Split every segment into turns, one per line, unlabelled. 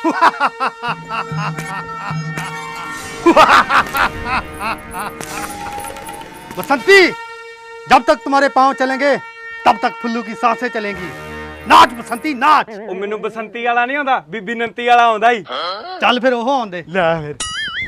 बसंती, जब तक तुम्हारे पांव चलेंगे तब तक फुल्लू की सांसें चलेंगी। नाच बसंती नाच।
ਉਹ ਮੈਨੂੰ ਬਸੰਤੀ ਵਾਲਾ ਨਹੀਂ ਆਉਂਦਾ, ਬੀਬੀ ਨੰਤੀ ਵਾਲਾ ਆਉਂਦਾ ਹੀ।
चल फिर ओह आंदे
ਲੈ ਫਿਰ।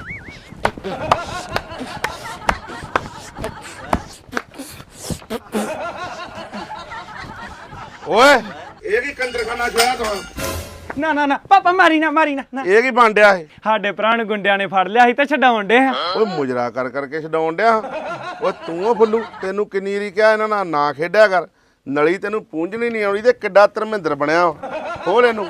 ਓਏ ਇਹ ਕੀ ਕੰਜਰਖਾਨਾ ਛੋਇਆ ਤੂੰ?
ਨਾ ਨਾ ਨਾ ਪਾਪਾ ਮਾਰੀ ਨਾ ਨਾ।
ਇਹ ਕੀ ਬਣ ਡਿਆ ਇਹ?
ਸਾਡੇ ਭਰਾ ਨੂੰ ਗੁੰਡਿਆਂ ਨੇ ਫੜ ਲਿਆ ਸੀ ਤੇ ਛਡਾਉਣ ਡੇ ਆ।
ਓਏ ਮੁਜਰਾ ਕਰ ਕਰਕੇ ਛਡਾਉਣ ਡਿਆ। ਓਏ ਤੂੰ ਓ ਫੁੱਲੂ, ਤੈਨੂੰ ਕਿੰਨੀ ਵਾਰੀ ਕਿਹਾ ਇਹਨਾਂ ਨਾਲ ਨਾ ਖੇਡਿਆ ਕਰ। ਨਲੀ ਤੈਨੂੰ ਪੂੰਝਣੀ ਨਹੀਂ ਆਉਣੀ ਤੇ ਕਿੱਡਾ ਧਰਮਿੰਦਰ ਬਣਿਆ। ਖੋਲ ਇਹਨੂੰ।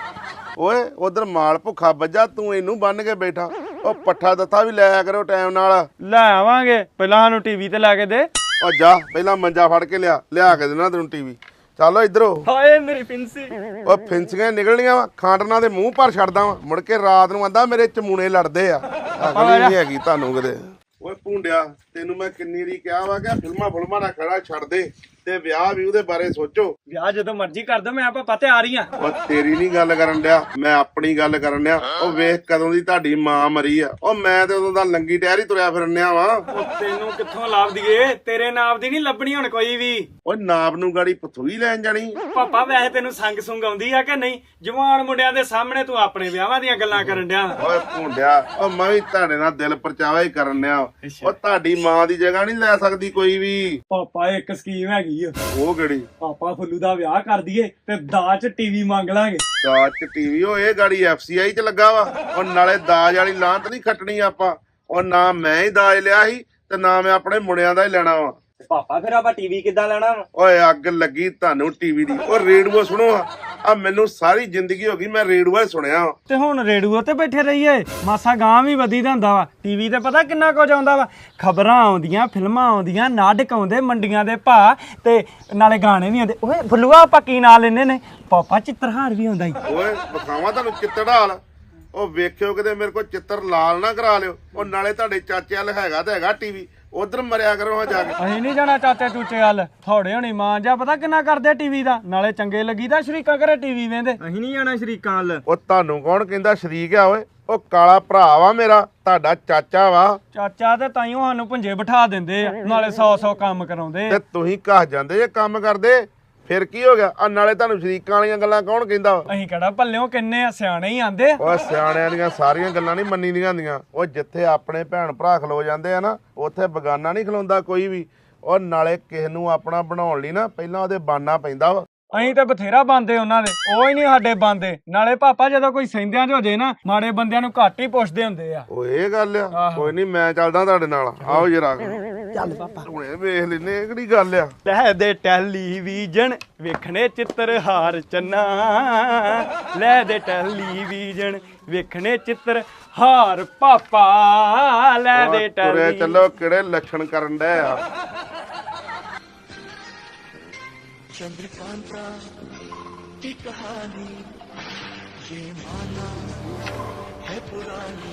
ਓਏ ਉਧਰ ਮਾਲ ਭੁੱਖਾ ਵੱਜਾ, ਤੂੰ ਇਹਨੂੰ ਬੰਨ ਕੇ ਬੈਠਾ। ਉਹ ਪੱਠਾ ਦੱਥਾ ਵੀ ਲੈ ਕਰੋ ਟਾਈਮ ਨਾਲ।
ਲੈ ਆਵਾਂਗੇ, ਪਹਿਲਾਂ ਸਾਨੂੰ ਟੀਵੀ ਤੇ ਲਾ ਕੇ ਦੇ।
ਓ ਜਾ ਪਹਿਲਾਂ ਮੰਜਾ ਫੜ ਕੇ ਲਿਆ ਕੇ ਦੇਣਾ ਤੈਨੂੰ ਟੀਵੀ। ਚੱਲ ਇੱਧਰੋਂ।
ਹਾਏ ਮੇਰੀ ਫਿੰਸੀ।
ਉਹ ਫਿੰਸੀਆਂ ਨਿਕਲਣੀਆਂ ਵਾ, ਖਾਂਡਣਾ ਦੇ ਮੂੰਹ ਭਰ ਛੱਡਦਾ ਵਾ। ਮੁੜ ਕੇ ਰਾਤ ਨੂੰ ਆਂਦਾ ਮੇਰੇ ਚਮੂਣੇ ਲੜਦੇ ਆ। ਅਕਲ ਨਹੀਂ ਹੈਗੀ ਤੁਹਾਨੂੰ ਕਿਤੇ। ਓਏ ਭੁੰਡਿਆ, ਤੈਨੂੰ ਮੈਂ ਕਿੰਨੀ ਵਾਰੀ ਕਿਹਾ ਵਾ ਕਿ ਫਿਲਮਾਂ ਦਾ ਖੜਾ ਛੱਡ ਦੇ ਤੇ ਵਿਆਹ ਵੀ ਉਹਦੇ ਬਾਰੇ ਸੋਚੋ।
ਵਿਆਹ ਜਦੋਂ ਮਰਜ਼ੀ ਕਰ ਦੋ, ਮੈਂ ਪਾਪਾ ਤੇ ਆ ਰਹੀ ਆ।
ਉਹ ਤੇਰੀ ਨਹੀਂ ਗੱਲ ਕਰਨ ਡਿਆ, ਮੈਂ ਆਪਣੀ ਗੱਲ ਕਰਨ ਡਿਆ। ਉਹ ਵੇਖ ਕਦੋਂ ਦੀ ਤੁਹਾਡੀ ਮਾਂ ਮਰੀ ਆ। ਉਹ ਮੈਂ ਤੇ ਉਦੋਂ ਦਾ ਲੰਗੀ ਟਹਿਰੀ ਤੁਰਿਆ ਫਿਰਨਿਆ ਵਾ।
ਉਹ ਤੈਨੂੰ ਕਿੱਥੋਂ ਲਾਭ ਦਈਏ, ਤੇਰੇ ਨਾਪ ਦੀ ਨਹੀਂ ਲੱਭਣੀ ਹੁਣ ਕੋਈ ਵੀ।
ਓਏ ਨਾਪ ਨੂੰ ਗਾੜੀ ਪਥੂਈ ਲੈਣ ਜਾਣੀ।
ਪਾਪਾ ਵੈਸੇ ਤੈਨੂੰ ਸੰਗ ਸੁੰਗ ਆਉਂਦੀ ਆ ਕਿ ਨਹੀਂ? ਜਵਾਨ ਮੁੰਡਿਆਂ ਦੇ ਸਾਹਮਣੇ ਤੂੰ ਆਪਣੇ ਵਿਆਹਾਂ ਦੀਆਂ ਗੱਲਾਂ ਕਰਨ ਡਿਆ।
ਓਏ ਭੁੰਡਿਆ, ਉਹ ਮੈਂ ਵੀ ਤੁਹਾਡੇ ਨਾਲ ਦਿਲ ਪਰਚਾਵਾ ਹੀ ਕਰਨ ਡਿਆ। ਉਹ ਤੁਹਾਡੀ ਮਾਂ ਦੀ ਜਗ੍ਹਾ ਨਹੀਂ ਲੈ ਸਕਦੀ ਕੋਈ ਵੀ।
ਪਾਪਾ ਇੱਕ ਸਕੀਮ ਹੈਗੀ ਆ।
ਉਹ ਕਿਹੜੀ?
ਪਾਪਾ ਫੁੱਲੂ ਦਾ ਵਿਆਹ ਕਰ ਦਈਏ ਤੇ ਦਾਜ ਟੀਵੀ ਮੰਗ ਲਾਂਗੇ।
ਦਾਜ ਚ ਟੀਵੀ? ਉਹ ਇਹ ਗਾੜੀ FCI ਚ ਲੱਗਾ ਵਾ। ਉਹ ਨਾਲੇ ਦਾਜ ਵਾਲੀ ਲਾਂਤ ਨਹੀਂ ਖੱਟਣੀ ਆਪਾਂ। ਉਹ ਨਾ ਮੈਂ ਹੀ ਦਾਜ ਲਿਆ ਸੀ ਤੇ ਨਾ ਮੈਂ ਆਪਣੇ ਮੁੰਡਿਆਂ ਦਾ ਹੀ ਲੈਣਾ ਵਾ।
ਪਾਪਾ ਫਿਰ ਆਪਾਂ ਟੀਵੀ ਕਿੱਦਾਂ ਲੈਣਾ ਵਾ?
ਓਏ ਅੱਗ ਲੱਗੀ ਤੁਹਾਨੂੰ ਟੀਵੀ ਦੀ। ਉਹ ਰੇਡੀਓ ਸੁਣੋ ਆ ਮੈਨੂੰ ਸਾਰੀ ਜ਼ਿੰਦਗੀ ਹੋ ਗਈ ਮੈਂ ਰੇਡੀਓ ਹੀ ਸੁਣਿਆ।
ਤੇ ਹੁਣ ਰੇਡੀਓ ਤੇ ਬੈਠੇ ਰਹੀਏ, ਮਾਸਾ ਗਾਂ ਵੀ ਵਧੀ ਦਾ ਹੁੰਦਾ ਵਾ। ਟੀਵੀ ਤੇ ਪਤਾ ਕਿੰਨਾ ਕੁਝ ਆਉਂਦਾ ਵਾ। ਖਬਰਾਂ ਆਉਂਦੀਆਂ, ਫਿਲਮਾਂ ਆਉਂਦੀਆਂ, ਨਾਟਕ ਆਉਂਦੇ, ਮੰਡੀਆਂ ਦੇ ਭਾਅ ਤੇ ਨਾਲੇ ਗਾਣੇ ਵੀ ਆਉਂਦੇ। ਓਏ ਫੁੱਲੂਆ ਆਪਾਂ ਕੀ ਨਾਂ ਲੈਨੇ ਨੇ? ਪਾਪਾ ਚਿੱਤਰਹਾਰ ਵੀ ਆਉਂਦਾ ਈ।
ਓਏ ਵਿਖਾਵਾਂ ਤੁਹਾਨੂੰ ਚਿੱਤਰ ਹਾਲ। ਉਹ ਵੇਖਿਓ ਕਿਤੇ ਮੇਰੇ ਕੋਲ ਚਿੱਤਰ ਲਾਲ ਨਾ ਕਰਾ ਲਿਓ। ਉਹ ਨਾਲੇ ਤੁਹਾਡੇ ਚਾਚੇ ਵਾਲ ਹੈਗਾ ਤਾਂ ਹੈਗਾ ਟੀਵੀ, ਉਧਰ ਮਰਿਆ ਕਰੋ ਹਾਂ ਜਾ ਕੇ।
ਅਸੀਂ ਨਹੀਂ ਜਾਣਾ ਚਾਚੇ ਚੂਚੇ ਵੱਲ। ਥੋੜੇ ਹੋਣੀ ਮਾਂ ਜਾ ਪਤਾ ਕਿੰਨਾ ਕਰਦੇ ਟੀਵੀ ਦਾ। ਨਾਲੇ ਚੰਗੇ ਲੱਗੀਦਾ ਸ਼ਰੀਕਾਂ ਘਰੇ ਟੀਵੀ ਵੇਂਦੇ। ਅਸੀਂ ਨਹੀਂ ਜਾਣਾ ਸ਼ਰੀਕਾਂ ਵੱਲ।
ਉਹ ਤੁਹਾਨੂੰ ਕੌਣ ਕਹਿੰਦਾ ਸ਼ਰੀਕ ਆ? ਓਏ ਉਹ ਕਾਲਾ ਭਰਾ ਵਾ ਮੇਰਾ, ਤੁਹਾਡਾ ਚਾਚਾ ਵਾ।
ਚਾਚਾ ਤੇ ਤਾਈਓ ਸਾਨੂੰ ਪੁੰਜੇ ਬਿਠਾ ਦਿੰਦੇ ਆ, ਨਾਲੇ 100 ਕੰਮ ਕਰਾਉਂਦੇ
ਤੇ ਤੁਸੀਂ ਘਸ ਜਾਂਦੇ ਜੇ ਕੰਮ ਕਰਦੇ। ਫਿਰ ਕੀ ਹੋ ਗਿਆ? ਆ ਨਾਲੇ ਤੁਹਾਨੂੰ ਸ਼ਰੀਕਾਂ ਵਾਲੀਆਂ ਗੱਲਾਂ ਕੌਣ ਕਹਿੰਦਾ?
ਅਸੀਂ ਕਿਹੜਾ ਭੱਲਿਓ ਕਿੰਨੇ ਆ, ਸਿਆਣੇ ਹੀ ਆਂਦੇ।
ਓਏ ਸਿਆਣਿਆਂ ਦੀਆਂ ਸਾਰੀਆਂ ਗੱਲਾਂ ਨਹੀਂ ਮੰਨੀ ਦੀਆਂ ਹੁੰਦੀਆਂ। ਉਹ ਜਿੱਥੇ ਆਪਣੇ ਭੈਣ ਭਰਾ ਖਲੋ ਜਾਂਦੇ ਆ ਨਾ, ਉੱਥੇ ਬਗਾਨਾ ਨਹੀਂ ਖਲੋਂਦਾ ਕੋਈ ਵੀ। ਉਹ ਨਾਲੇ ਕਿਸੇ ਨੂੰ ਆਪਣਾ ਬਣਾਉਣ ਲਈ ਨਾ ਪਹਿਲਾਂ ਉਹਦੇ ਬਾਨਾ ਪੈਂਦਾ ਵਾ।
ਅਸੀਂ ਤਾਂ ਬਥੇਰਾ ਬੰਦੇ ਉਹਨਾਂ ਦੇ, ਉਹ ਹੀ ਨਹੀਂ ਸਾਡੇ ਬੰਦੇ। ਨਾਲੇ ਪਾਪਾ ਜਦੋਂ ਕੋਈ ਸਹਿੰਦਿਆਂ 'ਚ ਹੋ ਜੇ ਨਾ, ਮਾੜੇ ਬੰਦਿਆਂ ਨੂੰ ਘੱਟ ਹੀ ਪੁੱਛਦੇ ਹੁੰਦੇ ਆ।
ਓਏ ਇਹ ਗੱਲ ਆ। ਕੋਈ ਨਹੀਂ ਮੈਂ ਚੱਲਦਾ ਤੁਹਾਡੇ ਨਾਲ। ਆਓ ਜਰਾ ਚੱਲ ਪਾਪਾ, ਹੁਣੇ ਵੇਖ ਲੈਨੇ ਇਹ ਕਿਹੜੀ ਗੱਲ ਆ।
ਲੈ ਦੇ ਟੈਲੀਵਿਜ਼ਨ ਵੇਖਣੇ ਚਿੱਤਰਹਾਰ ਚੰਨਾ, ਲੈ ਦੇ ਟੈਲੀਵਿਜ਼ਨ ਵੇਖਣੇ ਚਿੱਤਰਹਾਰ ਪਾਪਾ, ਲੈ ਦੇ
ਤੁਰੇ ਚੱਲੋ, ਕਿਹੜੇ ਲੱਛਣ ਕਰਨ ਡਏ ਆ।
चंद्रकांता की कहानी ये माना है पुरानी।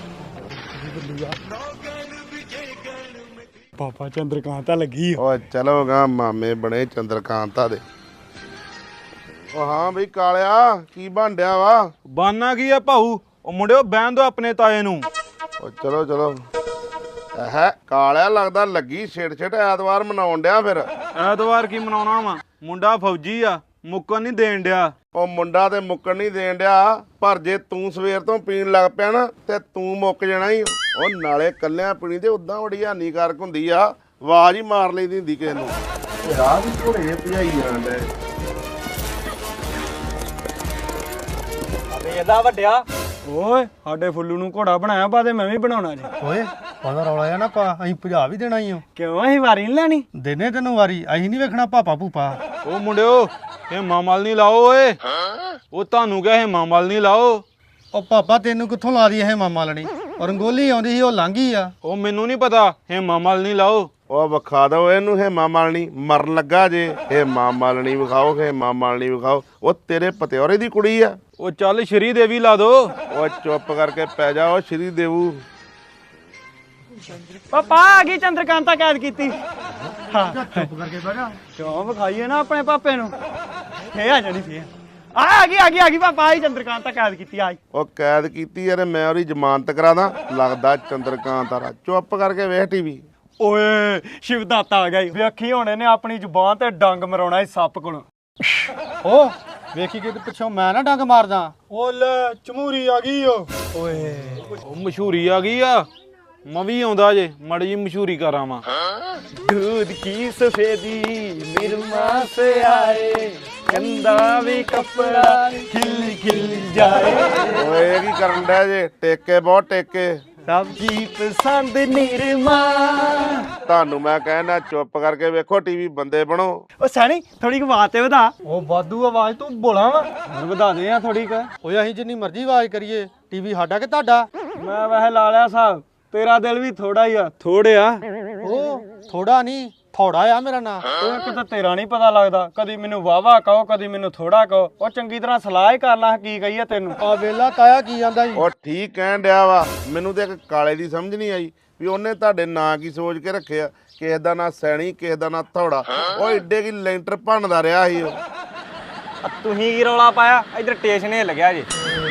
ਪਾਪਾ ਚੰਦਰਕਾਂਤਾ ਲੱਗੀ।
ਓਏ ਚਲੋ ਗਾ, ਮਾਮੇ ਬਣੇ ਚੰਦਰਕਾਂਤਾ ਦੇ। ਓ ਹਾਂ ਬਈ ਕਾਲਿਆ, ਕੀ ਬਣ ਡਿਆ ਵਾ?
ਬਾਨਾ ਕੀ ਆ ਭਾਊ? ਉਹ ਮੁੰਡਿਓ ਬਹਿਣ ਦੋ ਆਪਣੇ ਤਾਏ ਨੂੰ।
ਓ ਚਲੋ ਹੈ ਕਾਲਿਆ, ਲੱਗਦਾ ਲੱਗੀ ਛੇੜ ਐਤਵਾਰ ਮਨਾਉਣ ਡਿਆ। ਫਿਰ
ਐਤਵਾਰ ਕੀ ਮਨਾਉਣਾ ਵਾ? ਮੁੰਡਾ ਫੌਜੀ ਆ, ਮੁੱਕਣ ਨਹੀਂ ਦੇਣ ਡਿਆ।
ਉਹ ਮੁੰਡਾ ਤੇ ਮੁੱਕਣ ਨਹੀਂ ਦੇਣ ਡਿਆ, ਪਰ ਜੇ ਤੂੰ ਸਵੇਰ ਤੋਂ ਪੀਣ ਲੱਗ ਪਿਆ ਨਾ ਤੇ ਤੂੰ ਮੁੱਕ ਜਾਣਾ ਹੀ। ਉਹ ਨਾਲੇ ਕੱਲਿਆਂ ਪੀਣੀ ਤੇ ਉਦਾਂ ਬੜੀ ਹਾਨੀਕਾਰਕ ਹੁੰਦੀ ਆ। ਆਵਾਜ਼ ਹੀ ਮਾਰ ਲਈਦੀ ਹੁੰਦੀ ਕਿਸੇ ਨੂੰ। ਰਾਹ ਵੀ ਘੋੜੇ ਭਜਾਈ ਜਾਂਦੇ।
ਅਬੇ ਇਹਦਾ ਵੱਡਿਆ। ਓਏ ਸਾਡੇ ਫੁੱਲੂ ਨੂੰ ਘੋੜਾ ਬਣਾਇਆ ਪਾ ਤੇ ਮੈਂ ਵੀ ਬਣਾਉਣਾ ਜੀ।
ਓਏ ਉਹਦਾ ਰੌਲਾ ਆ ਨਾ ਪਾ, ਅਸੀਂ ਭਜਾ ਵੀ ਦੇਣਾ ਹੀ।
ਕਿਉਂ ਅਸੀਂ ਵਾਰੀ ਨਹੀਂ ਲੈਣੀ?
ਦੇਨੇ ਤੈਨੂੰ ਵਾਰੀ, ਅਸੀਂ ਨਹੀਂ ਵੇਖਣਾ ਪਾਪਾ ਭੂਪਾ।
ਉਹ ਮੁੰਡਿਓ ਹੇਮਾ ਮਲ ਨਹੀਂ ਲਾਓ ਓਏ। ਉਹ ਤੁਹਾਨੂੰ ਕਿਹਾ ਹੇਮਾ ਮਲ ਨਹੀਂ ਲਾਓ।
ਉਹ ਪਾਪਾ ਤੈਨੂੰ ਕਿੱਥੋਂ ਲਾ ਦੀ ਇਹ ਮਾਮਾ ਲਣੀ? ਰੰਗੋਲੀ ਆਉਂਦੀ ਸੀ, ਉਹ ਲੰਘੀ ਆ।
ਉਹ ਮੈਨੂੰ ਨਹੀਂ ਪਤਾ, ਹੇਮਾ ਮਲ ਨਹੀਂ ਲਾਓ।
ਉਹ ਵਿਖਾ ਦੋ ਇਹਨੂੰ ਹੇਮਾ ਮਾਲਣੀ, ਮਰਨ ਲੱਗਾ ਜੇ। ਹੇਮਾ ਮਾਲਣੀ ਵਿਖਾਓ, ਹੇਮਾ ਮਾਲਣੀ ਵਿਖਾਓ। ਉਹ ਤੇਰੇ ਪਤਿਓਰੇ ਦੀ ਕੁੜੀ ਆ।
ਉਹ ਚੱਲ ਸ਼੍ਰੀ ਦੇਵੀ ਲਾ ਦੋ।
ਉਹ ਚੁੱਪ ਕਰਕੇ ਪੈ ਜਾ, ਉਹ ਸ਼੍ਰੀ ਦੇਵੂ।
ਪਾਪਾ ਆ ਗਈ ਚੰਦਰਕਾਂਤਾ ਕੈਦ ਕੀਤੀ।
ਚੁੱਪ ਕਰਕੇ ਬਹਿ ਜਾ।
ਕਿਉਂ ਵਿਖਾਈਏ ਨਾ ਆਪਣੇ ਪਾਪੇ ਨੂੰ? ਫੇਰ ਆ ਜਾਣੀ ਫੇਰ ਆ ਗਈ ਪਾਪਾ ਆਈ ਚੰਦਰਕਾਂਤ ਤਾਂ ਕੈਦ ਕੀਤੀ ਆਈ
ਉਹ ਕੈਦ ਕੀਤੀ ਯਾਰ ਮੈਂ ਉਹਦੀ ਜ਼ਮਾਨਤ ਕਰਾਦਾ ਲੱਗਦਾ ਚੰਦਰਕਾਂਤ ਆ ਚੁੱਪ ਕਰਕੇ ਵੇਖ ਟੀਵੀ
ਓਏ ਸ਼ਿਵਦਾਤਾ ਆ ਗਿਆ ਈ। ਵੇਖੀ ਹੁਣ ਇਹਨੇ ਆਪਣੀ ਜ਼ੁਬਾਨ ਤੇ ਡੰਗ ਮਰਾਉਣਾ ਇਸ ਸੱਪ ਕੋਲ
ਓ ਵੇਖੀ ਕਿ ਪਿੱਛੋਂ ਮੈਂ ਨਾ ਡੰਗ ਮਾਰਦਾ
ਓ ਲੈ ਚਮੂਰੀ ਆ ਗਈ ਓ ਓਏ
ਉਹ ਮਸ਼ਹੂਰੀ ਆ ਗਈ ਆ ਮੈਂ ਵੀ ਆਉਂਦਾ ਜੇ ਮੜੀ ਜੀ ਮਸ਼ਹੂਰੀ ਕਰਾਂ ਵਾ
दूध की सफेदी निरमा से आए कंधा भी कपड़ा खिल खिल जाए
ਓਏ ਇਹ ਕੀ ਕਰਨ ਡਿਆ ਜੇ ਟੇਕੇ ਬਹੁਤ ਟੇਕੇ
सबकी पसंद निरमा
ਤੁਹਾਨੂੰ ਮੈਂ ਕਹਿਣਾ ਚੁੱਪ ਕਰਕੇ ਵੇਖੋ ਟੀਵੀ ਬੰਦੇ ਬਣੋ
ओ सैनी थोड़ी आवाज ते ਵਧਾ ਉਹ ਵਾਧੂ ਆਵਾਜ਼ ਤੂੰ ਬੋਲਾ ਵਾ ਹੋਰ ਵਧਾ ਦੇ ਆ ਥੋੜੀ ਕ
ਓਏ ਅਸੀਂ ਜਿੰਨੀ ਮਰਜ਼ੀ ਆਵਾਜ਼ ਕਰੀਏ ਟੀਵੀ ਸਾਡਾ ਕਿ ਤੁਹਾਡਾ
ਮੈਂ ਵੈਸੇ ਲਾ ਲਿਆ ਸਾਹਿਬ ਤੇਰਾ ਦਿਲ ਵੀ ਥੋੜਾ ਹੀ ਆ ਥੋੜਿਆ
ਓ ਥੋੜਾ ਨਹੀਂ ਥੋੜਾ ਆ ਮੇਰਾ ਨਾਂ
ਉਹ ਕਿਤੇ ਤੇਰਾ ਨਹੀਂ ਪਤਾ ਲੱਗਦਾ ਕਦੀ ਮੈਨੂੰ ਵਾਵਾ ਕਹੋ ਕਦੀ ਮੈਨੂੰ ਥੋੜਾ ਕਹੋ ਉਹ ਚੰਗੀ ਤਰ੍ਹਾਂ ਸਲਾਹ ਹੀ ਕਰ ਲਾ ਕੀ ਕਹੀਏ ਤੈਨੂੰ
ਆ ਵੇਲਾ ਤਾਇਆ ਕੀ ਜਾਂਦਾ ਜੀ
ਉਹ ਠੀਕ ਕਹਿਣ ਡਿਆ ਵਾ ਮੈਨੂੰ ਤੇ ਇੱਕ ਕਾਲੇ ਦੀ ਸਮਝ ਨਹੀਂ ਆਈ ਵੀ ਉਹਨੇ ਤੁਹਾਡੇ ਨਾਂ ਕੀ ਸੋਚ ਕੇ ਰੱਖਿਆ ਕਿਸੇ ਦਾ ਨਾਂ ਸੈਣੀ ਕਿਸੇ ਦਾ ਨਾਂ ਥੋੜਾ ਉਹ ਏਡੇ ਕੀ ਲੈਂਟਰ ਭੰਨਦਾ ਰਿਹਾ ਸੀ ਉਹ
ਤੁਸੀਂ ਕੀ ਰੌਲਾ ਪਾਇਆ ਇਧਰ ਸਟੇਸ਼ਨ ਹਿੱਲ ਗਿਆ ਜੀ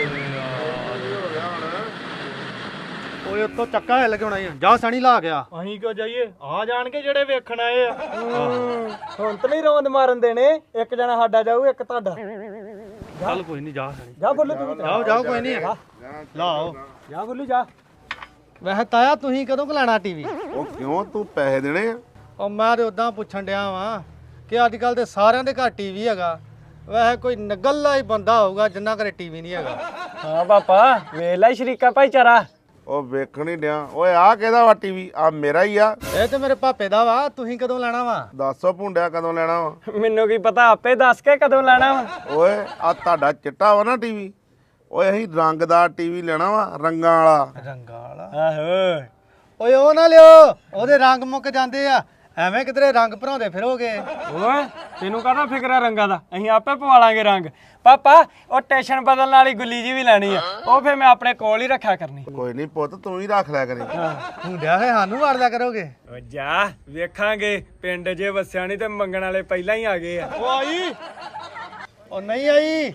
ਓਏ ਉੱਤੋਂ ਚੱਕਾ ਹਿੱਲ ਕੇ ਹੋਣਾ ਹੀ ਜਾ ਸਣੀ ਲਾ ਗਿਆ
ਅਸੀਂ ਕਿਉਂ ਜਾਈਏ ਆ ਜਾਣ ਕੇ ਜਿਹੜੇ ਵੇਖਣ ਆਏ ਆ ਹੁਣ ਤਾਂ ਨਹੀਂ ਰੋਂਦ ਮਾਰਨ ਦੇਣੇ ਇੱਕ ਜਣਾ ਸਾਡਾ ਜਾਊ ਇੱਕ ਤੁਹਾਡਾ
ਚੱਲ ਕੋਈ ਨਹੀਂ ਜਾ ਸਣੀ
ਜਾ ਬੋਲੂ ਤੂੰ
ਜਾਓ ਜਾਓ ਕੋਈ ਨਹੀਂ ਲਾਓ
ਜਾ ਬੋਲੂ ਜਾ
ਵੈਸੇ ਤਾਇਆ ਤੁਸੀਂ ਕਦੋਂ ਲੈਣਾ ਟੀਵੀ
ਉਹ ਕਿਉਂ ਤੂੰ ਪੈਸੇ ਦੇਣੇ ਆ
ਉਹ ਮੈਂ ਤੇ ਉਦਾਂ ਪੁੱਛਣ ਡਿਆ ਵਾਂ ਕਿ ਅੱਜ ਕੱਲ ਤੇ ਸਾਰਿਆਂ ਦੇ ਘਰ ਟੀਵੀ ਹੈਗਾ ਵੈਸੇ ਕੋਈ ਨਗੱਲਾ ਹੀ ਬੰਦਾ ਹੋਊਗਾ ਜਿੰਨਾ ਘਰੇ ਟੀਵੀ ਨਹੀਂ ਹੈਗਾ
ਹਾਂ ਪਾਪਾ ਵੇਖ ਲੈ ਸ਼ਰੀਕਾ ਭਾਈਚਾਰਾ
ਉਹ ਵੇਖਣ ਹੀ ਡਿਆ ਓਏ ਆਹ ਕਿਹਦਾ ਵਾ ਟੀਵੀ ਆ ਮੇਰਾ ਹੀ ਆ
ਇਹ ਤੇ ਮੇਰੇ ਪਾਪੇ ਦਾ ਵਾ ਤੁਸੀਂ ਕਦੋਂ ਲੈਣਾ ਵਾ
ਦੱਸੋ ਭੁੰਡਿਆ ਕਦੋਂ ਲੈਣਾ ਵਾ
ਮੈਨੂੰ ਕੀ ਪਤਾ ਆਪੇ ਦੱਸ ਕੇ ਕਦੋਂ ਲੈਣਾ ਵਾ
ਓਏ ਆ ਤੁਹਾਡਾ ਚਿੱਟਾ ਵਾ ਨਾ ਟੀਵੀ ਓਏ ਅਸੀਂ ਰੰਗਦਾਰ ਟੀਵੀ ਲੈਣਾ ਵਾ ਰੰਗਾਂ ਵਾਲਾ
ਰੰਗਾ ਵਾਲਾ
ਆਹੋ
ਓਏ ਉਹ ਨਾ ਲਿਓ ਉਹਦੇ ਰੰਗ ਮੁੱਕ ਜਾਂਦੇ ਆ ਐਵੇਂ ਕਿਧਰੇ ਰੰਗ ਭਰਾਉਂਦੇ ਫਿਰੋਗੇ
ਓਏ ਤੈਨੂੰ ਕਾਹਦਾ ਫਿਕਰ ਆ ਰੰਗਾਂ ਦਾ ਅਸੀਂ ਆਪੇ ਪਵਾ ਲਾਂਗੇ ਰੰਗ ਪਾਪਾ ਉਹ ਸਟੇਸ਼ਨ ਬਦਲਣ ਵਾਲੀ ਗੁੱਲੀ ਜੀ ਵੀ ਲੈਣੀ ਆ ਉਹ ਫੇਰ ਮੈਂ ਆਪਣੇ ਕੋਲ ਹੀ ਰੱਖਿਆ ਕਰਨੀ
ਕੋਈ ਨਹੀਂ ਪੁੱਤ ਤੂੰ ਹੀ ਰੱਖ ਲਿਆ ਕਰੀ
ਹੁੰਦਿਆ ਹੈ ਸਾਨੂੰ ਵਾੜ ਲਿਆ ਕਰੋਗੇ
ਓ ਜਾ ਵੇਖਾਂਗੇ ਪਿੰਡ ਜੇ ਵਸਿਆ ਨਹੀਂ ਤੇ ਮੰਗਣ ਵਾਲੇ ਪਹਿਲਾਂ ਹੀ ਆ ਗਏ ਆ
ਉਹ ਆਈ ਉਹ ਨਹੀਂ ਆਈ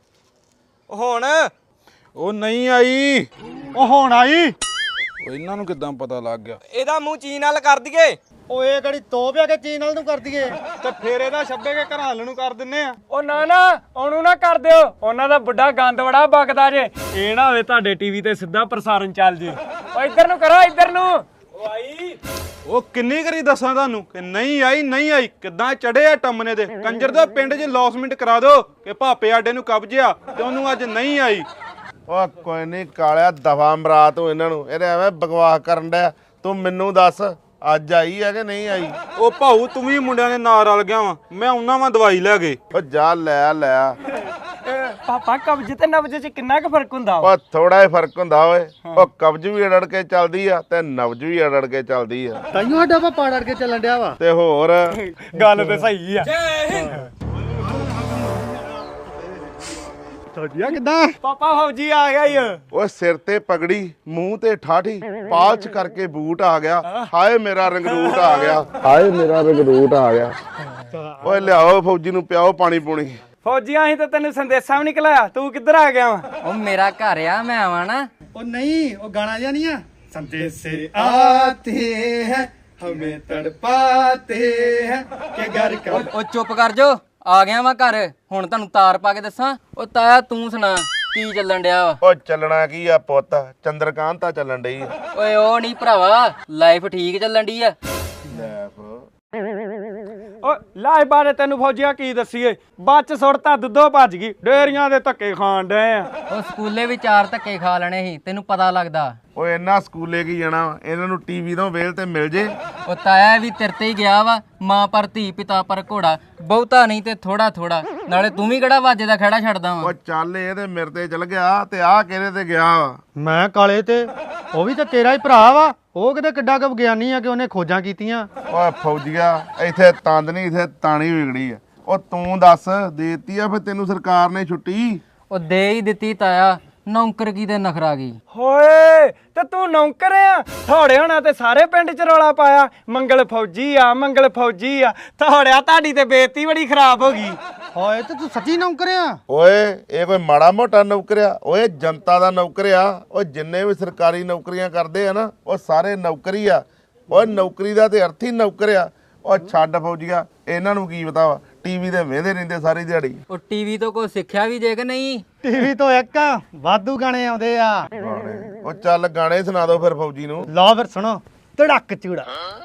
ਹੁਣ
ਉਹ ਨਹੀਂ ਆਈ
ਉਹ ਹੁਣ ਆਈ
ਉਹ ਇਹਨਾਂ ਨੂੰ ਕਿੱਦਾਂ ਪਤਾ ਲੱਗ ਗਿਆ
ਇਹਦਾ ਮੂੰਹ ਚੀਨ ਨਾਲ ਕਰ ਦਈਏ
ਉਹ ਇਹ ਕਿਹੜੀ ਤੋਪ ਆ ਕੇ ਚੀਨ ਨਾਲ ਨੂੰ ਕਰ ਦਈਏ
ਤੇ ਫੇਰ ਇਹਦਾ ਛੱਬੇ ਕੇ ਘਰਾਂ ਨੂੰ ਕਰ ਦਿੰਨੇ ਆ ਉਹ ਨਾ ਨਾ ਉਹਨੂੰ ਨਾ ਕਰ ਦਿਓ ਉਹਨਾਂ ਦਾ ਵੱਡਾ ਗੰਦ ਬੜਾ ਬਕਦਾ ਜੇ ਇਹ ਨਾ ਹੋਵੇ ਤੁਹਾਡੇ ਟੀਵੀ ਤੇ ਸਿੱਧਾ ਪ੍ਰਸਾਰਣ ਚੱਲ ਜੇ ਓ ਇੱਧਰ ਨੂੰ ਕਰੋ ਇੱਧਰ ਨੂੰ ਓ ਆਈ
ਉਹ ਕਿੰਨੀ ਕਰੀ ਦੱਸਾਂ ਤੁਹਾਨੂੰ ਕਿ ਨਹੀਂ ਆਈ ਕਿੱਦਾਂ ਚੜੇ ਆ ਟੰਮਨੇ ਦੇ ਕੰਜਰ ਦਾ ਪਿੰਡ 'ਚ ਲੌਸਮੈਂਟ ਕਰਾ ਦਿਓ ਕਿ ਭਾਪੇ ਆਡੇ ਨੂੰ ਕਬਜ਼ਿਆ ਤੇ ਉਹਨੂੰ ਅੱਜ ਨਹੀਂ ਆਈ
ਓ ਕੋਈ ਨਹੀਂ ਕਾਲਿਆ ਦਫਾ ਮਰਾ ਤੂੰ ਇਹਨਾਂ ਨੂੰ ਇਹਦੇ ਐਵੇਂ ਬਕਵਾਸ ਕਰਨ ਡਿਆ ਤੂੰ ਮੈਨੂੰ ਦੱਸ ਅੱਜ ਆਈ ਹੈ ਕਿ ਨਹੀਂ ਆਈ
ਉਹ ਭਾਊ ਤੂੰ ਵੀ ਮੁੰਡਿਆਂ ਦੇ ਨਾਲ ਰਲ ਗਿਆ ਵਾ ਮੈਂ ਉਹਨਾਂ ਵਾਂ ਦਵਾਈ ਲੈ ਕੇ
ਓ ਜਾ ਲੈ
ਪਾਪਾ ਕਬਜ਼ ਤੇ ਨਬਜ਼ ਚ ਕਿੰਨਾ ਕੁ ਫਰਕ ਹੁੰਦਾ ਵਾ
ਓ ਥੋੜਾ ਜਿਹਾ ਫਰਕ ਹੁੰਦਾ ਓਏ ਓ ਕਬਜ਼ ਵੀ ਅੜੜ ਕੇ ਚੱਲਦੀ ਆ ਤੇ ਨਬਜ਼ ਵੀ ਅੜੜ ਕੇ ਚੱਲਦੀ ਆ
ਤਾਈਓ ਸਾਡਾ ਪਾਪਾ ਅੜ ਕੇ ਚੱਲਣ ਡਿਆ ਵਾ
ਤੇ ਹੋਰ
ਗੱਲ ਤੇ ਸਹੀ ਆ
ਤੁਹਾਡੀਆਂ ਕਿੱਦਾਂ
ਪਾਪਾ ਫੌਜੀ ਆ ਗਿਆ ਈ
ਓ ਸਿਰ ਤੇ ਪਗੜੀ ਮੂੰਹ ਤੇ ਠਾਠੀ ਪਾਲਚ ਕਰਕੇ ਬੂਟ ਆ ਗਿਆ ਹਾਏ ਮੇਰਾ ਰੰਗਰੂਟ ਆ ਗਿਆ ਓਏ ਲਿਆਓ ਫੌਜੀ ਨੂੰ ਪਿਆਓ ਪਾਣੀ ਪੂਣੀ
ਫੌਜੀਆਂ ਅਸੀਂ ਤਾਂ ਤੈਨੂੰ ਸੰਦੇਸ਼ਾ ਵੀ ਨਹੀਂ ਘਲਾਇਆ ਤੂੰ ਕਿੱਧਰ ਆ ਗਿਆ ਵਾ
ਉਹ ਮੇਰਾ ਘਰ ਆ ਮੈਂ ਆਵਾਂ ਨਾ
ਉਹ ਨਹੀਂ ਉਹ ਗਾਣਾ ਜਿਹਾ ਨਹੀਂ ਆ ਸੰਦੇਸ਼ੇ ਆਤੇ ਹੈ ਹਮੇ ਤੜਪਾਤੇ ਹੈ ਕਿ ਘਰ ਕਾ
ਉਹ ਚੁੱਪ ਕਰ ਜੋ ਆ ਗਿਆ ਵਾਂ ਘਰ ਹੁਣ ਤੁਹਾਨੂੰ ਤਾਰ ਪਾ ਕੇ ਦੱਸਾਂ ਉਹ ਤਾਇਆ ਤੂੰ ਸੁਣਾ ਕੀ ਚੱਲਣ ਡਿਆ ਵਾ
ਓ ਚੱਲਣਾ ਕੀ ਆ ਪੁੱਤ ਚੰਦਰਕਾਂਤਾ ਚੱਲਣ ਡਈ ਆ
ਓਏ ਉਹ ਨਹੀਂ ਭਰਾਵਾ ਲਾਈਫ ਠੀਕ ਚੱਲਣ ਡਈ ਆ
ਓ ਲਾਏ ਬਾਰੇ ਤੈਨੂੰ ਫੌਜੀਆਂ ਕੀ ਦੱਸੀਏ ਬੱਚ ਸੁੱਟਤਾ ਦੁੱਧੋ ਭੱਜ ਗਈ ਡੇਰੀਆਂ ਦੇ ਧੱਕੇ ਖਾਣ ਡਏ ਆ
ਉਹ ਸਕੂਲੇ ਵੀ 4 ਧੱਕੇ ਖਾ ਲੈਣੇ ਸੀ ਤੈਨੂੰ ਪਤਾ ਲੱਗਦਾ
ਓਏ ਇਹਨਾਂ ਸਕੂਲੇ ਕੀ ਜਾਣਾ ਵਾ? ਇਹਨਾਂ ਨੂੰ ਟੀਵੀ ਤੋਂ ਵੇਲ ਤੇ ਮਿਲ ਜੇ
ਉਹ ਤਾਇਆ ਵੀ ਤੇਰੇ ਤੇ ਹੀ ਗਿਆ ਵਾ ਮਾਂ ਪਰ ਧੀ ਪਿਤਾ ਪਰ ਘੋੜਾ ਬਹੁਤਾ ਨਹੀਂ ਤੇ ਥੋੜਾ ਥੋੜਾ ਨਾਲੇ ਤੂੰ ਵੀ ਕਿਹੜਾ ਵਾਜੇ ਦਾ ਖੜਾ ਛੱਡਦਾ ਵਾ
ਓ ਚੱਲ ਇਹ ਤੇ ਮੇਰੇ ਤੇ ਚਲ ਗਿਆ ਤੇ ਆਹ ਕਿਹਦੇ ਤੇ ਗਿਆ ਵਾ
ਮੈਂ ਕਾਲੇ ਤੇ ਉਹ ਵੀ ਤਾਂ ਤੇਰਾ ਹੀ ਭਰਾ ਵਾ ਉਹ ਕਿਤੇ ਕਿੱਡਾ ਕੁ ਵਿਗਿਆਨੀ ਆ ਕਿ ਉਹਨੇ ਖੋਜਾਂ ਕੀਤੀਆਂ
ਓਏ ਫੌਜੀਆ ਇੱਥੇ ਤੰਦ ਨਹੀਂ ਇੱਥੇ ਤਾਣੀ ਵਿਗੜੀ ਆ ਉਹ ਤੂੰ ਦੱਸ ਦੇਤੀ ਆ ਫਿਰ ਤੈਨੂੰ ਸਰਕਾਰ ਨੇ ਛੁੱਟੀ
ਉਹ ਦੇ ਹੀ ਦਿੱਤੀ ਤਾਇਆ ਨੌਕਰ ਕੀ ਤੇ ਨਖਰਾ ਗਈ
ਹੋਏ ਤੇ ਤੂੰ ਨੌਕਰ ਆ ਥੋੜੇ ਹੋਣਾ ਤੇ ਸਾਰੇ ਪਿੰਡ ਚ ਰੌਲਾ ਪਾਇਆ ਮੰਗਲ ਫੌਜੀ ਆ ਥੋੜਿਆ ਤੁਹਾਡੀ ਤੇ ਬੇਇੱਜ਼ਤੀ ਬੜੀ ਖਰਾਬ ਹੋ ਗਈ
ਹੋਏ ਤੇ ਤੂੰ ਸੱਚੀ ਨੌਕਰ ਆ?
ਓਏ ਇਹ ਕੋਈ ਮਾੜਾ ਮੋਟਾ ਨੌਕਰ ਆ? ਓਏ ਜਨਤਾ ਦਾ ਨੌਕਰ ਆ। ਓ ਜਿੰਨੇ ਵੀ ਸਰਕਾਰੀ ਨੌਕਰੀਆਂ ਕਰਦੇ ਆ ਨਾ ਉਹ ਸਾਰੇ ਨੌਕਰੀ ਆ। ਓਏ ਨੌਕਰੀ ਦਾ ਤੇ ਅਰਥ ਹੀ ਨੌਕਰ ਆ। ਓ ਛੱਡ ਫੌਜੀਆ, ਇਹਨਾਂ ਨੂੰ ਕੀ ਪਤਾ ਵਾ, ਟੀਵੀ ਤੇ ਵੇਂਦੇ ਰਹਿੰਦੇ ਸਾਰੀ ਦਿਹਾੜੀ।
ਉਹ ਟੀਵੀ ਤੋਂ ਕੋਈ ਸਿੱਖਿਆ ਵੀ ਜੇ ਕਿ ਨਹੀਂ?
ਟੀਵੀ ਤੋਂ ਇੱਕ ਵਾਧੂ ਗਾਣੇ ਆਉਂਦੇ ਆ।
ਗਾਣੇ ਉਹ ਚੱਲ ਗਾਣੇ ਸੁਣਾ ਦਿਓ ਫਿਰ ਫੌਜੀ ਨੂੰ।
ਲਓ ਫਿਰ ਸੁਣੋ। ਧੜਕ ਚੂੜਾ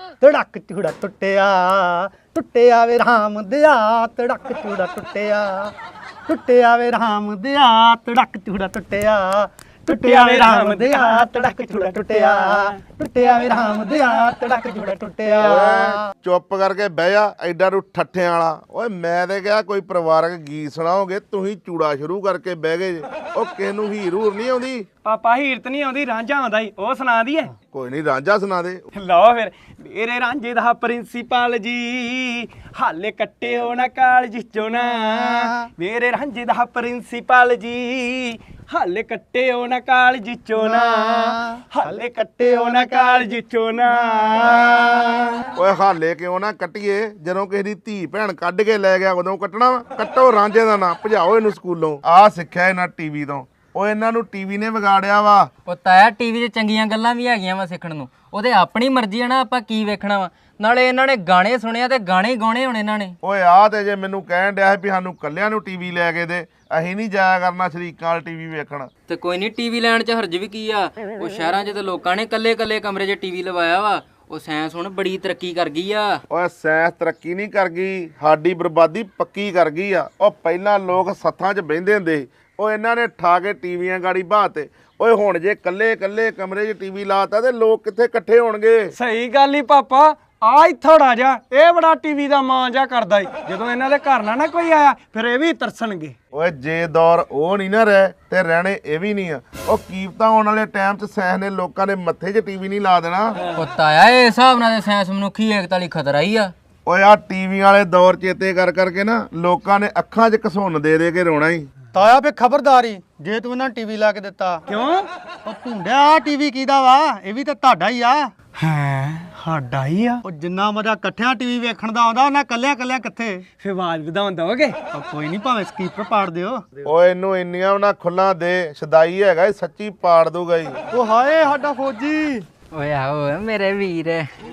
ਟੁੱਟਿਆ ਟੁੱਟਿਆ ਵੇ ਰਾਮ ਦਿਆ, ਧੜਕ ਚੂੜਾ ਟੁੱਟਿਆ ਟੁੱਟਿਆ ਵੇ ਰਾਮ ਦਿਆ, ਧੜਕ ਚੂੜਾ ਟੁੱਟਿਆ ਟੁੱਟਿਆ ਵੇ ਰਾਮ ਦਿਆ, ਧੜਕ ਚੂੜਾ ਟੁੱਟਿਆ ਟੁੱਟਿਆ ਵੇ ਰਾਮ ਦਿਆ, ਧੜਕ ਚੂੜਾ ਟੁੱਟਿਆ।
ਚੁੱਪ ਕਰਕੇ ਬਹਿ ਜਾ, ਐਡਾ ਨੂੰ ਠੱਠਿਆਂ ਵਾਲਾ। ਓਏ ਮੈਂ ਤੇ ਕਿਹਾ ਕੋਈ ਪਰਿਵਾਰਕ ਗੀਤ ਸੁਣਾਓਗੇ, ਤੁਸੀਂ ਚੂੜਾ ਸ਼ੁਰੂ ਕਰਕੇ ਬਹਿ ਗਏ ਜੇ। ਉਹ ਕਿਸੇ ਨੂੰ ਹੀਰ ਹੂਰ ਨਹੀਂ ਆਉਂਦੀ?
ਪਾਪਾ ਹੀਰਤ ਨਹੀਂ ਆਉਂਦੀ, ਰਾਂਝਾ ਆਉਂਦਾ ਈ, ਉਹ ਸੁਣਾ ਦਈਏ?
ਕੋਈ ਨਹੀਂ, ਰਾਂਝਾ ਸੁਣਾ ਦੇ।
ਲਓ ਫਿਰ। ਮੇਰੇ ਰਾਂਝੇ ਦਾ ਪ੍ਰਿੰਸੀਪਲ ਜੀ ਹਾਲੇ ਕੱਟਿਓ ਨਾ ਕਾਲਜ ਚੋਂ ਨਾ, ਮੇਰੇ ਰਾਂਝੇ ਦਾ ਪ੍ਰਿੰਸੀਪਲ ਜੀ ਹਾਲੇ ਕੱਟਿਓ ਨਾ ਕਾਲਜ ਚੋਂ ਨਾ, ਹਾਲੇ ਕੱਟਿਓ ਨਾ ਕਾਲਜ ਚੋਂ ਨਾ।
ਓਏ ਹਾਲੇ ਕਿਉਂ ਨਾ ਕੱਟੀਏ, ਜਦੋਂ ਕਿਸੇ ਦੀ ਧੀ ਭੈਣ ਕੱਢ ਕੇ ਲੈ ਗਿਆ ਉਦੋਂ ਕੱਟਣਾ ਵਾ? ਕੱਟੋ ਰਾਂਝੇ ਦਾ ਨਾਂ, ਭਜਾਓ ਇਹਨੂੰ ਸਕੂਲੋਂ। ਆਹ ਸਿੱਖਿਆ ਇਹਨਾਂ ਟੀਵੀ ਤੋਂ। ਓ ਇਹਨਾਂ ਨੂੰ ਟੀਵੀ ਨੇ ਵਿਗਾੜਿਆ ਵਾ।
ਉਹ ਤਾਇਆ ਟੀਵੀ 'ਚ ਚੰਗੀਆਂ ਗੱਲਾਂ ਵੀ ਹੈਗੀਆਂ ਵਾ ਸਿੱਖਣ ਨੂੰ, ਉਹਦੇ ਆਪਣੀ ਮਰਜ਼ੀ ਆ ਨਾ, ਆਪਾਂ ਕੀ ਵੇਖਣਾ ਵਾ। ਨਾਲੇ ਇਹਨਾਂ ਨੇ ਗਾਣੇ ਸੁਣਿਆ ਤੇ ਗਾਣੇ ਗਾਉਣੇ ਹੁਣ ਇਹਨਾਂ ਨੇ।
ਓਏ ਆਹ ਤੇ ਜੇ ਮੈਨੂੰ ਕਹਿਣ ਡਿਆ ਵੀ ਸਾਨੂੰ ਕੱਲਿਆਂ ਨੂੰ ਟੀਵੀ ਲੈ ਕੇ ਦੇ, ਅਸੀਂ ਨਹੀਂ ਜਾਇਆ ਕਰਨਾ ਸ਼ਰੀਕਾਂ ਵਾਲ ਟੀਵੀ ਵੇਖਣ।
ਤੇ ਕੋਈ ਨਹੀਂ, ਟੀਵੀ ਲੈਣ 'ਚ ਹਰਜ ਵੀ ਕੀ ਆ? ਉਹ ਸ਼ਹਿਰਾਂ 'ਚ ਤੇ ਲੋਕਾਂ ਨੇ ਕੱਲੇ ਕਮਰੇ 'ਚ ਟੀਵੀ ਲਵਾਇਆ ਵਾ। ਉਹ ਸਾਇੰਸ ਹੁਣ ਬੜੀ ਤਰੱਕੀ ਕਰ ਗਈ ਆ।
ਓਏ ਸਾਇੰਸ ਤਰੱਕੀ ਨਹੀਂ ਕਰ ਗਈ, ਸਾਡੀ ਬਰਬਾਦੀ ਪੱਕੀ ਕਰ ਗਈ ਆ। ਉਹ ਪਹਿਲਾਂ ਲੋਕ ਸੱਥਾਂ 'ਚ ਬਹਿੰਦੇ ਹੁੰਦੇ ਸੀ, ਉਹ ਇਹਨਾਂ ਨੇ ਠਾ ਕੇ ਟੀਵੀਆਂ ਗਾੜੀ ਬਾਤੇ। ਓਏ ਹੁਣ ਜੇ ਕੱਲੇ ਕਮਰੇ 'ਚ ਟੀਵੀ ਲਾਤਾ ਤੇ ਲੋਕ ਕਿੱਥੇ ਇਕੱਠੇ ਹੋਣਗੇ?
ਸਹੀ ਗੱਲ ਹੀ ਪਾਪਾ। ਆ ਹੀ ਥੋੜਾ ਜਿਹਾ ਇਹ ਬੜਾ ਟੀਵੀ ਦਾ ਮਾਂ ਜਾ ਕਰਦਾ ਈ, ਜਦੋਂ ਇਹਨਾਂ ਦੇ ਘਰ ਨਾ ਕੋਈ ਆਇਆ ਫਿਰ ਇਹ ਵੀ ਤਰਸਣਗੇ।
ਓਏ ਜੇ ਦੌਰ ਉਹ ਨਹੀਂ ਨਾ ਰਹਿ ਤੇ ਰਹਿਣੇ ਇਹ ਵੀ ਨਹੀਂ ਆ। ਉਹ ਕੀਮਤਾਂ ਆਉਣ ਵਾਲੇ ਟਾਈਮ 'ਚ ਸਾਇੰਸ ਨੇ ਲੋਕਾਂ ਦੇ ਮੱਥੇ 'ਚ ਟੀਵੀ ਨਹੀਂ ਲਾ ਦੇਣਾ।
ਉਹ ਤਾਇਆ ਇਹ ਹਿਸਾਬ ਨਾਲ ਤੇ ਸਾਇੰਸ ਮਨੁੱਖੀ ਏਕਤਾ ਲਈ ਖਤਰਾ ਹੀ ਆ।
ਓਏ ਆ ਟੀਵੀ ਵਾਲੇ ਦੌਰ ਚੇਤੇ ਕਰਕੇ ਨਾ ਲੋਕਾਂ ਨੇ ਅੱਖਾਂ 'ਚ ਘਸੁੰਨ ਦੇ ਕੇ ਰੋਣਾ ਹੀ।
ਤਾਇਆ ਫੇ ਖਬਰਦਾਰੀ ਜੇ ਤੂੰ ਇਹਨਾਂ ਟੀਵੀ ਲਾ ਕੇ ਦਿੱਤਾ।
ਕਿਉਂ?
ਉਹ ਭੁੰਡਿਆ ਆ ਟੀਵੀ ਕਿਹਦਾ ਵਾ? ਇਹ ਵੀ ਤਾਂ ਤੁਹਾਡਾ ਹੀ ਆ।
ਹੈ ਸਾਡਾ ਹੀ ਆ।
ਉਹ ਜਿੰਨਾ ਮਜ਼ਾ ਇਕੱਠਿਆਂ ਟੀਵੀ ਵੇਖਣ ਦਾ ਆਉਂਦਾ ਉਹਨਾਂ ਕੱਲਿਆਂ ਕਿੱਥੇ?
ਫੇ ਆਵਾਜ਼ ਵਧਾਉਣ ਦੋਗੇ?
ਉਹ ਕੋਈ ਨਹੀਂ, ਭਾਵੇਂ ਸਪੀਕਰ ਪਾੜ ਦਿਓ।
ਓਏ ਇਹਨੂੰ ਇੰਨੀਆਂ ਉਹਨਾਂ ਖੁੱਲਾਂ ਦੇ, ਸਦਾਈ ਹੈਗਾ ਇਹ, ਸੱਚੀ ਪਾੜ ਦੂਗਾ ਹੀ।
ਉਹ ਹਾਏ ਸਾਡਾ ਫੌਜੀ।
ਓਏ ਆਓ ਮੇਰੇ ਵੀਰ।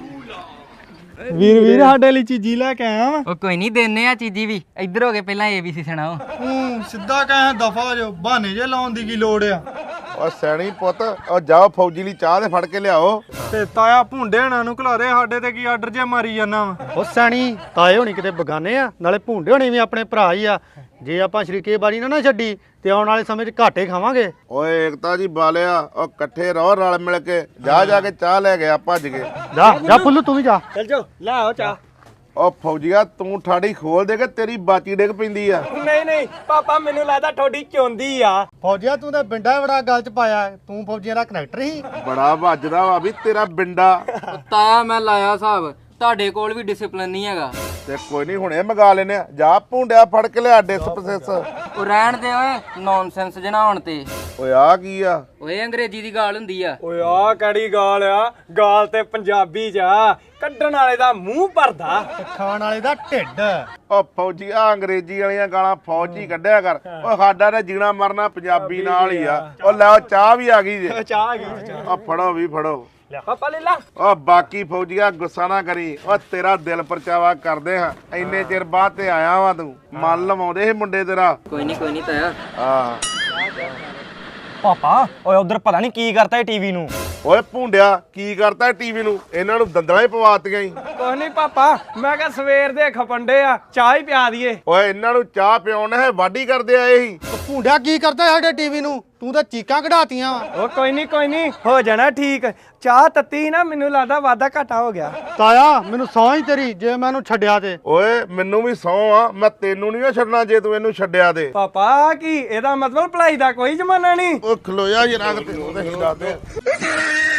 ਵੀਰ ਸਾਡੇ ਲਈ ਚੀਜ਼ੀ ਲੈ ਕੇ ਆਇਆ ਵਾ।
ਉਹ ਕੋਈ ਨਹੀਂ, ਦੇਨੇ ਆ ਚੀਜ਼ੀ ਵੀ। ਇੱਧਰ ਹੋ ਕੇ ਪਹਿਲਾਂ ABC ਸੁਣਾਓ।
ਸਿੱਧਾ ਕਹੇ ਦਫਾ ਜੋ, ਬਹਾਨੇ ਜੇ ਲਾਉਣ ਦੀ ਕੀ ਲੋੜ ਆ?
ਓ ਸੈਣੀ ਪੁੱਤ, ਉਹ ਜਾਓ ਫੌਜੀ ਲਈ ਚਾਹ ਦੇ ਫੜ ਕੇ ਲਿਆਓ।
ਤੇ ਤਾਇਆ ਭੁੰਡੇਣਾ ਨੂੰ ਘਲਾ ਦੇ, ਸਾਡੇ ਤੇ ਕੀ ਆਰਡਰ ਜੇ ਮਾਰੀ ਜਾਂਦਾ ਵਾ।
ਉਹ ਸੈਣੀ ਤਾਏ ਹੋਣੀ ਕਿਤੇ ਬਗਾਨੇ ਆ, ਨਾਲੇ ਭੁੰਡੇ ਹੋਣੀ ਵੀ ਆਪਣੇ ਭਰਾ ਹੀ ਆ। ਜੇ ਆਪਾਂ ਸ਼ਰੀਕੇ ਬਾਰੀ ਨਾ ਛੱਡੀ ਤੇ ਆਉਣ ਵਾਲੇ ਸਮੇਂ 'ਚ ਘਾਟੇ ਖਾਵਾਂਗੇ।
ਓਏ ਏਕਤਾ ਜੀ ਬਾਲਿਆ, ਉਹ ਇਕੱਠੇ ਰਹੋ ਰਲ ਮਿਲ ਕੇ। ਜਾ ਕੇ ਚਾਹ ਲੈ ਗਿਆ ਭੱਜ ਕੇ।
ਜਾ ਫੁੱਲੂ ਤੂੰ ਵੀ ਜਾ।
ਚੱਲ ਜਾਓ ਲੈ ਆਓ ਚਾਹ।
ਉਹ ਫੌਜੀਆ ਤੂੰ ਠਾੜੀ ਖੋਲ ਦੇ ਕੇ ਤੇਰੀ ਬਾਚੀ ਡਿੱਗ ਪੈਂਦੀ ਆ।
ਨਹੀਂ ਪਾਪਾ, ਮੈਨੂੰ ਲੱਗਦਾ ਤੁਹਾਡੀ ਚੋਂਦੀ ਆ।
ਫੌਜੀਆ ਤੂੰ ਤਾਂ ਬਿੰਡਾ ਬੜਾ ਗੱਲ 'ਚ ਪਾਇਆ। ਤੂੰ ਫੌਜੀਆਂ ਦਾ ਕਨੈਕਟਰ ਹੀ
ਬੜਾ ਵੱਜਦਾ ਵਾ ਵੀ ਤੇਰਾ ਬਿੰਡਾ।
ਤਾਇਆ ਮੈਂ ਲਾਇਆ ਹਿਸਾਬ, ਤੁਹਾਡੇ ਕੋਲ ਵੀ ਡਿਸਪਲਿਨ ਨਹੀਂ ਹੈਗਾ।
ਤੇ ਕੋਈ ਨਹੀਂ, ਹੁਣੇ ਮੰਗਾ ਲੈਨੇ ਆ। ਜਾ ਭੁੰਡਿਆ ਫੜ ਕੇ ਲਿਆ ਡਿਸਪਸੈਸ।
ਉਹ ਰਹਿਣ ਦੇ ਓਏ ਨੌਨਸੈਂਸ ਜਨਾ ਹੋਣ ਤੇ।
ਓਏ ਆ ਕੀ ਆ?
ਓਏ ਅੰਗਰੇਜ਼ੀ ਦੀ ਗਾਲ ਹੁੰਦੀ ਆ।
ਓਏ ਆ ਕਿਹੜੀ ਗਾਲ ਆ? ਗਾਲ ਤੇ ਪੰਜਾਬੀ 'ਚ ਆ, ਕੱਢਣ ਵਾਲੇ ਦਾ ਮੂੰਹ ਭਰਦਾ,
ਖਾਣ ਵਾਲੇ ਦਾ ਢਿੱਡ।
ਓ ਫੌਜੀ ਆ ਅੰਗਰੇਜ਼ੀ ਵਾਲੀਆਂ ਗਾਲਾਂ ਫੌਜ 'ਚ ਹੀ ਕੱਢਿਆ ਕਰ। ਓ ਸਾਡਾ ਤਾਂ ਜੀਣਾ ਮਰਨਾ ਪੰਜਾਬੀ ਨਾਲ ਹੀ ਆ। ਓ ਲੈ ਚਾਹ ਵੀ ਆ ਗਈ ਜੇ।
ਚਾਹ ਆ ਗਈ।
ਓ ਫੜੋ ਵੀ ਫੜੋ।
ਪਾਪਾ ਲੈ ਲਾ।
ਓ ਬਾਕੀ ਫੌਜੀਆ ਗੁੱਸਾ ਨਾ ਕਰੀ। ਓ ਤੇਰਾ ਦਿਲ ਪਰਚਾਵਾ ਕਰਦੇ ਹਾਂ, ਇੰਨੇ ਚਿਰ ਬਾਅਦ ਤੇ ਆਇਆ ਵਾ ਤੂੰ। ਮਨ ਲਵਾਉਂਦੇ ਸੀ ਮੁੰਡੇ ਤੇਰਾ।
ਕੋਈ ਨਹੀਂ ਤਾਇਆ।
ਹਾਂ
ਪਾਪਾ ਓਏ ਉਧਰ ਪਤਾ ਨਹੀਂ ਕੀ ਕਰਤਾ ਇਹ ਟੀਵੀ ਨੂੰ।
ਓਏ ਭੁੰਡਿਆ ਕੀ ਕਰਤਾ ਟੀਵੀ ਨੂੰ? ਇਹਨਾਂ ਨੂੰ ਦੰਦਲਾਂ ਹੀ ਪਵਾਤੀਆਂ ਹੀ।
ਕੁਛ ਨਹੀਂ ਪਾਪਾ, ਮੈਂ ਕਿਹਾ ਸਵੇਰ ਦੇ ਖਪੰਡੇ ਆ, ਚਾਹ ਹੀ ਪਿਆ ਦਈਏ।
ਓਏ ਇਹਨਾਂ ਨੂੰ ਚਾਹ ਪਿਆਉਣਾ ਹੈ, ਵਾਢੀ ਕਰਦੇ ਆਏ ਸੀ।
ਭੁੰਡਿਆ ਕੀ ਕਰਦਾ ਸਾਡੇ ਟੀਵੀ ਨੂੰ? ਤੂੰ ਤਾਂ ਚੀਕਾਂ ਕਢਾਤੀਆਂ ਵਾ।
ਉਹ ਕੋਈ ਨਹੀਂ ਹੋ ਜਾਣਾ ਠੀਕ। ਚਾਹ ਤੱਤੀ ਨਾ, ਮੈਨੂੰ ਲੱਗਦਾ ਵਾਦਾ ਘਾਟਾ ਹੋ ਗਿਆ।
ਤਾਇਆ ਮੈਨੂੰ ਸੌਂ ਹੀ ਤੇਰੀ ਜੇ ਮੈਂ ਇਹਨੂੰ ਛੱਡਿਆ ਤੇ।
ਓਏ ਮੈਨੂੰ ਵੀ ਸਹੁੰ ਆ, ਮੈਂ ਤੈਨੂੰ ਨਹੀਂ ਛੱਡਣਾ ਜੇ ਤੂੰ ਇਹਨੂੰ ਛੱਡਿਆ ਤੇ।
ਪਾਪਾ ਕੀ ਇਹਦਾ ਮਤਲਬ ਭਲਾਈ ਦਾ ਕੋਈ ਜ਼ਮਾਨਾ ਨਹੀਂ।
ਉਹ ਖਲੋਇਆ ਜਰਾ ਤੈਨੂੰ ਤੇ ਹੀਰਾ ਤੇ।